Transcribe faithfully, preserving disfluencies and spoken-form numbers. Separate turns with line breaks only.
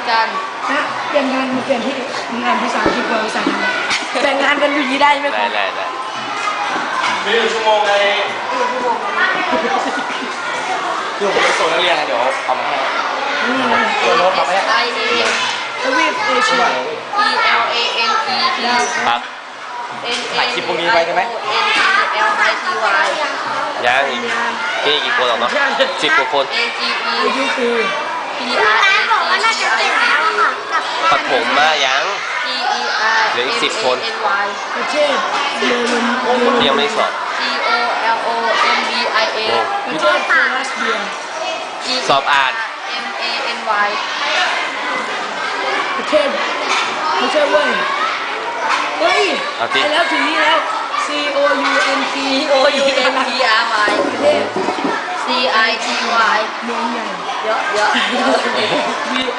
กัน
นะเปลี่ยนงานมาเปลี่ยนที่งานภาษาอังกฤษกับภาษาไทยแบ่งงานกันอยู่ยี่ได้ไหมค
ได้
รับ
ได้ได้
มีหนึ่งชั่วโมงในคือผมไปส่งนักเรียนนะเดี๋ยวเอามาให้
นี่นะ
ตัวโน้ตเอาไปให้
I A
ทวีปเอเชีย
E L A N E T
ครับ
N A
ถ่ายคลิปพวกนี้ไปได้ไหม
N E L I T Y
ยังอีกนี่กี่คนหรอกเนาะสิบกว่าคน
A G E
อายุคือ
P R
ร้านบอกว่าน่าจะเสร็จแล้วอะค่ะกับ
ปฐมมายัง
G E R
เหลืออีกสิบคน
M A N Y
ประเทศเยอรมัน
ยังไม่ได้สอบ
G O L O M B I A
ประเทศโคลัสเบีย
G
สอบอ่าน
M A N Y
ประเทศไม่ใช่เว้ยเฮ้ย
เอา
ไป
สิ
แล้วถึงนี้แล้ว C O U N T
O U N T R Y
ประเทศ
C I T Y
เมืองใหญ่
เยอะเยอะเยอะ
V